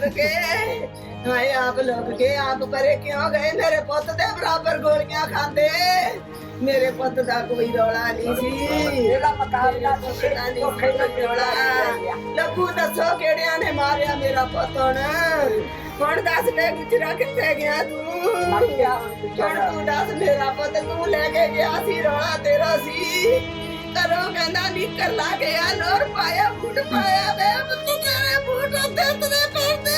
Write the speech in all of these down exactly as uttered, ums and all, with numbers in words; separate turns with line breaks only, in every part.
के हाय आप लोग के आप परे क्यों गए मेरे पुत दे बराबर गोलियां खांदे मेरे पुत दा कोई रौला नहीं सी मेरा मुकाबला नहीं रौला लखू दसो केड़ियां ने मारिया मेरा पुत हुण हुण दस ले गुजरा किथे गया तू हुण तू दस मेरा पुत तू लेके गया सी रौला तेरा सी करो कहना निकर ला गया लोर पाया बूट पाया वे तू तेरे बूट ते तेरे पैसे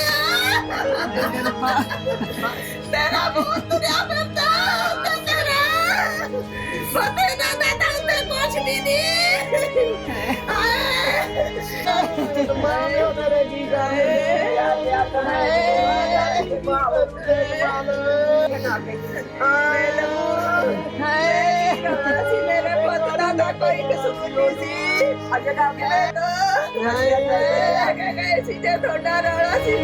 तेरा बूट तुरिया फिरदा ते तेरा पते ना ना ते कुछ भी नहीं मारो मेरे जीजा मेरे पुत्र दा कोई कसूर नहीं सी अजे का गए सी जे थोड़ा रौला सी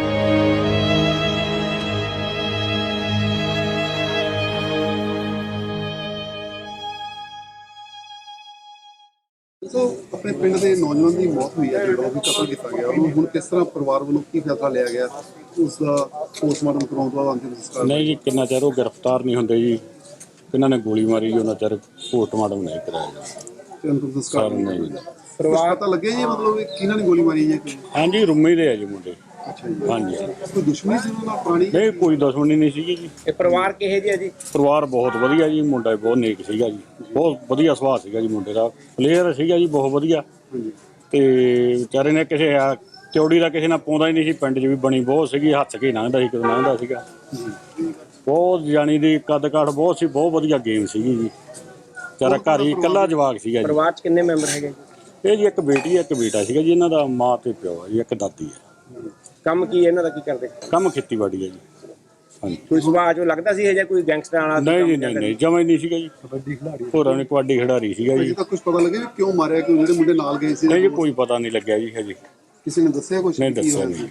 ਸੋ ਆਪਣੇ ਪਿੰਡ ਦੇ ਨੌਜਵਾਨ ਦੀ ਮੌਤ ਹੋਈ ਹੈ ਜਿਹੜਾ ਉਹ ਵੀ ਕਤਲ ਕੀਤਾ ਗਿਆ ਉਹਨੂੰ ਹੁਣ ਕਿਸ ਤਰ੍ਹਾਂ ਪਰਿਵਾਰ ਵੱਲੋਂ ਕੀ ਫੈਸਲਾ ਲਿਆ ਗਿਆ ਉਸ ਦਾ ਪੋਸਟਮਾਰਟਮ ਕਰਾਉਣ ਤੋਂ ਬਾਅਦ ਅੰਤਿਮ ਸੰਸਕਾਰ
ਨਹੀਂ ਜੀ ਕਿੰਨਾ ਚਿਰ ਉਹ ਗ੍ਰਿਫਤਾਰ ਨਹੀਂ ਹੁੰਦੇ ਜੀ ਕਿਹਨਾਂ ਨੇ ਗੋਲੀ ਮਾਰੀ ਜੀ ਉਹਨਾਂ ਚਿਰ ਪੋਸਟਮਾਰਟਮ ਨਹੀਂ ਕਰਾਇਆ ਜੀ
ਤੇ ਅੰਤਿਮ ਸੰਸਕਾਰ
ਨਹੀਂ ਜੀ
ਪਰਿਵਾਰ ਤਾਂ ਲੱਗਿਆ ਜੀ ਮਤਲਬ ਕਿ ਕਿਹਨਾਂ ਨੇ ਗੋਲੀ ਮਾਰੀ ਹੈ
ਹਾਂਜੀ ਰੁੰਮੇ ਦੇ ਆ ਜੀ ਮੁੰਡੇ
ਅੱਛਾ ਜੀ
ਹਾਂਜੀ
ਕੋਈ ਦੁਸ਼ਮਣੀ ਸੀ ਉਹਨਾਂ ਨਾਲ ਪੁਰਾਣੀ
ਨਹੀਂ ਕੋਈ ਦੁਸ਼ਮਣੀ ਨਹੀਂ ਸੀਗੀ ਜੀ
ਇਹ ਪਰਿਵਾਰ ਕਿਹੇ ਜਿਹਾ ਜੀ?
ਪਰਿਵਾਰ ਬਹੁਤ ਵਧੀਆ ਜੀ ਮੁੰਡਾ ਬਹੁਤ ਨੇਕ ਸੀਗਾ ਜੀ ਬਹੁਤ ਵਧੀਆ ਸੁਭਾਅ ਸੀਗਾ ਜੀ ਮੁੰਡੇ ਦਾ ਪਲੇਅਰ ਸੀਗਾ ਜੀ ਬਹੁਤ ਵਧੀਆ ਤੇ ਵਿਚਾਰੇ ਨੇ ਕਿਸੇ ਆ ਚੌੜੀ ਦਾ ਕਿਸੇ ਨਾਲ ਪਾਉਂਦਾ ਹੀ ਨਹੀਂ ਸੀ ਪਿੰਡ 'ਚ ਵੀ ਬਣੀ ਬਹੁਤ ਸੀਗੀ ਹੱਥ ਕੇ ਲੰਘਦਾ ਸੀ ਕਦੋਂ ਲੰਘਦਾ ਸੀਗਾ ਬਹੁਤ ਜਾਣੀ ਦੀ ਕੱਦ ਕਾਠ ਬਹੁਤ ਸੀ ਬਹੁਤ ਵਧੀਆ ਗੇਮ ਸੀਗੀ ਜੀ ਵਿਚਾਰਾ ਘਰ ਹੀ ਇਕੱਲਾ ਜਵਾਕ ਸੀਗਾ ਜੀ
ਪਰਿਵਾਰ 'ਚ ਕਿੰਨੇ ਮੈਂਬਰ ਹੈਗੇ ਜੀ?
ਇਹ ਜੀ ਇੱਕ ਬੇਟੀ ਹੈ ਇੱਕ ਬੇਟਾ ਸੀਗਾ ਜੀ ਇਹਨਾਂ ਦਾ ਮਾਂ ਤੇ ਪਿਓ ਹੈ ਜੀ ਇੱਕ ਦਾਦੀ ਹੈ
ਕੰਮ ਕੀ ਇਹਨਾਂ ਦਾ ਕੀ ਕਰਦੇ?
ਕੰਮ ਖੇਤੀਬਾੜੀ ਹੈ ਜੀ ਹਾਂਜੀ
ਕੋਈ ਸੁਭਾਅ ਚੋਂ ਲੱਗਦਾ ਸੀ ਇਹ ਜਾਂ ਕੋਈ ਗੈਂਗਸਟਰ ਵਾਲਾ
ਨਹੀਂ ਜੀ ਨਹੀਂ ਨਹੀਂ ਜਮਾਂ ਹੀ ਨਹੀਂ ਸੀਗਾ ਜੀ
ਕਬੱਡੀ ਖਿਡਾਰੀ
ਹੋਰਾਂ ਨੇ ਕਬੱਡੀ ਖਿਡਾਰੀ ਸੀਗਾ
ਅਜੇ
ਜੀ
ਤੱਕ ਕੁਝ ਪਤਾ ਲੱਗਿਆ ਵੀ ਕਿਉਂ ਮਾਰਿਆ ਕਿਉਂ ਜਿਹੜੇ ਮੁੰਡੇ ਨਾਲ ਗਏ ਸੀ
ਨਹੀਂ ਜੀ ਕੋਈ ਪਤਾ ਨਹੀਂ ਲੱਗਿਆ ਜੀ ਹਜੇ
ਕਿਸੇ ਨੇ ਦੱਸਿਆ ਕੁਝ
ਨਹੀਂ ਦੱਸਿਆ ਨਹੀਂ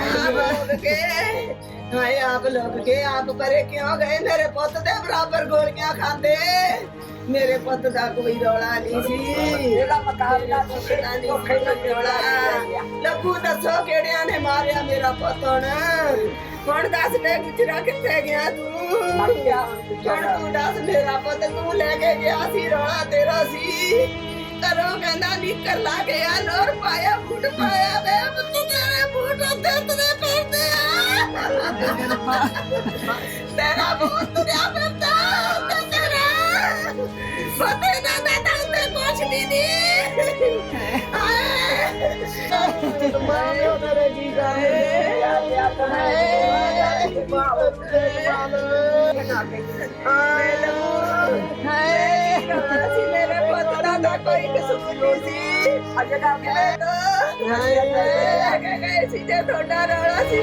हाय आप लोग के आप परे क्यों गए मेरे पुत दे बराबर गोलियां खांदे मेरे पुत दा कोई रौला नहीं सी मेरा मुकाबला नहीं रौला लखू दसो केड़ियां ने मारिया मेरा पुत हुण हुण दस ले गुजरा किथे गया तू हुण तू दस मेरा पुत तू लेके गया सी रौला तेरा सी करो कहना निकर ला गया लोर पाया बूट पाया वे तू तेरे बूट ते तेरे पैसे तेरा बूट तुरिया फिरदा ते तेरा पते ना ना ते कुछ भी नहीं मारो मेरे जीजा मेरे पुत्र दा कोई कसूर नहीं सी अजे का गए सी जे थोड़ा रौला सी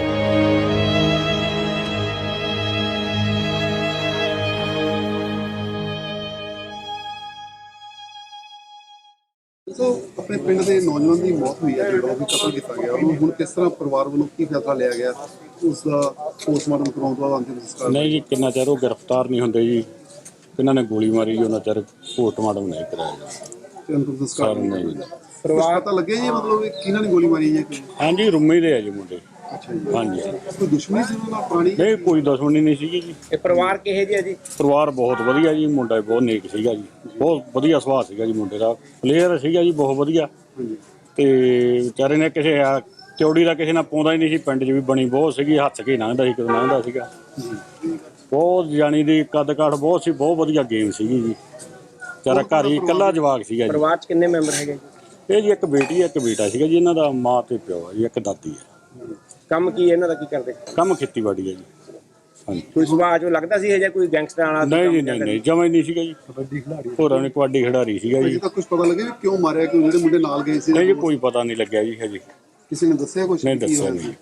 ਸੋ ਆਪਣੇ ਪਿੰਡ ਦੇ ਨੌਜਵਾਨ ਦੀ ਮੌਤ ਹੋਈ ਹੈ ਜਿਹੜਾ ਉਹ ਵੀ ਕਤਲ ਕੀਤਾ ਗਿਆ ਉਹਨੂੰ ਹੁਣ ਕਿਸ ਤਰ੍ਹਾਂ ਪਰਿਵਾਰ ਵੱਲੋਂ ਕੀ ਫੈਸਲਾ ਲਿਆ ਗਿਆ ਉਸ ਦਾ ਪੋਸਟਮਾਰਟਮ ਕਰਾਉਣ ਤੋਂ ਬਾਅਦ ਅੰਤਿਮ ਸੰਸਕਾਰ
ਨਹੀਂ ਜੀ ਕਿੰਨਾ ਚਿਰ ਉਹ ਗ੍ਰਿਫਤਾਰ ਨਹੀਂ ਹੁੰਦੇ ਜੀ ਕਿਹਨਾਂ ਨੇ ਗੋਲੀ ਮਾਰੀ ਜੀ ਉਹਨਾਂ ਚਿਰ ਪੋਸਟਮਾਰਟਮ ਨਹੀਂ ਕਰਾਇਆ ਜੀ
ਤੇ ਅੰਤਿਮ ਸੰਸਕਾਰ
ਨਹੀਂ ਜੀ
ਪਰਿਵਾਰ ਤਾਂ ਲੱਗਿਆ ਜੀ ਮਤਲਬ ਕਿ ਕਿਹਨਾਂ ਨੇ ਗੋਲੀ ਮਾਰੀ ਹੈ
ਹਾਂਜੀ ਰੁੰਮੇ ਦੇ ਆ ਜੀ ਮੁੰਡੇ
ਅੱਛਾ ਜੀ
ਹਾਂਜੀ
ਕੋਈ ਦੁਸ਼ਮਣੀ ਸੀ ਉਹਨਾਂ ਨਾਲ ਪੁਰਾਣੀ
ਨਹੀਂ ਕੋਈ ਦੁਸ਼ਮਣੀ ਨਹੀਂ ਸੀਗੀ ਜੀ
ਇਹ ਪਰਿਵਾਰ ਕਿਹੇ ਜਿਹਾ ਜੀ?
ਪਰਿਵਾਰ ਬਹੁਤ ਵਧੀਆ ਜੀ ਮੁੰਡਾ ਬਹੁਤ ਨੇਕ ਸੀਗਾ ਜੀ ਬਹੁਤ ਵਧੀਆ ਸੁਭਾਅ ਸੀਗਾ ਜੀ ਮੁੰਡੇ ਦਾ ਪਲੇਅਰ ਸੀਗਾ ਜੀ ਬਹੁਤ ਵਧੀਆ ਤੇ ਵਿਚਾਰੇ ਨੇ ਕਿਸੇ ਆ ਚੌੜੀ ਦਾ ਕਿਸੇ ਨਾਲ ਪਾਉਂਦਾ ਹੀ ਨਹੀਂ ਸੀ ਪਿੰਡ 'ਚ ਵੀ ਬਣੀ ਬਹੁਤ ਸੀਗੀ ਹੱਥ ਕੇ ਲੰਘਦਾ ਸੀ ਕਦੋਂ ਲੰਘਦਾ ਸੀਗਾ ਬਹੁਤ ਜਾਣੀ ਦੀ ਕੱਦ ਕਾਠ ਬਹੁਤ ਸੀ ਬਹੁਤ ਵਧੀਆ ਗੇਮ ਸੀਗੀ ਜੀ ਵਿਚਾਰਾ ਘਰ ਹੀ ਇਕੱਲਾ ਜਵਾਕ ਸੀਗਾ ਜੀ
ਪਰਿਵਾਰ 'ਚ ਕਿੰਨੇ ਮੈਂਬਰ ਹੈਗੇ ਜੀ?
ਇਹ ਜੀ ਇੱਕ ਬੇਟੀ ਹੈ ਇੱਕ ਬੇਟਾ ਸੀਗਾ ਜੀ ਇਹਨਾਂ ਦਾ ਮਾਂ ਤੇ ਪਿਓ ਹੈ ਜੀ ਇੱਕ ਦਾਦੀ ਹੈ
ਕੰਮ ਕੀ ਇਹਨਾਂ ਦਾ ਕੀ ਕਰਦੇ?
ਕੰਮ ਖੇਤੀਬਾੜੀ ਹੈ ਜੀ ਹਾਂਜੀ
ਕੋਈ ਸੁਭਾਅ ਚੋਂ ਲੱਗਦਾ ਸੀ ਇਹ ਜਾਂ ਕੋਈ ਗੈਂਗਸਟਰ ਵਾਲਾ
ਨਹੀਂ ਜੀ ਨਹੀਂ ਨਹੀਂ ਜਮਾਂ ਹੀ ਨਹੀਂ ਸੀਗਾ ਜੀ
ਕਬੱਡੀ ਖਿਡਾਰੀ
ਹੋਰਾਂ ਨੇ ਕਬੱਡੀ ਖਿਡਾਰੀ ਸੀਗਾ
ਅਜੇ
ਜੀ
ਤੱਕ ਕੁਝ ਪਤਾ ਲੱਗਿਆ ਵੀ ਕਿਉਂ ਮਾਰਿਆ ਕਿਉਂ ਜਿਹੜੇ ਮੁੰਡੇ ਨਾਲ ਗਏ ਸੀ
ਨਹੀਂ ਜੀ ਕੋਈ ਪਤਾ ਨਹੀਂ ਲੱਗਿਆ ਜੀ ਹਜੇ
ਕਿਸੇ ਨੇ ਦੱਸਿਆ ਕੁਝ
ਨਹੀਂ ਦੱਸਿਆ ਨਹੀਂ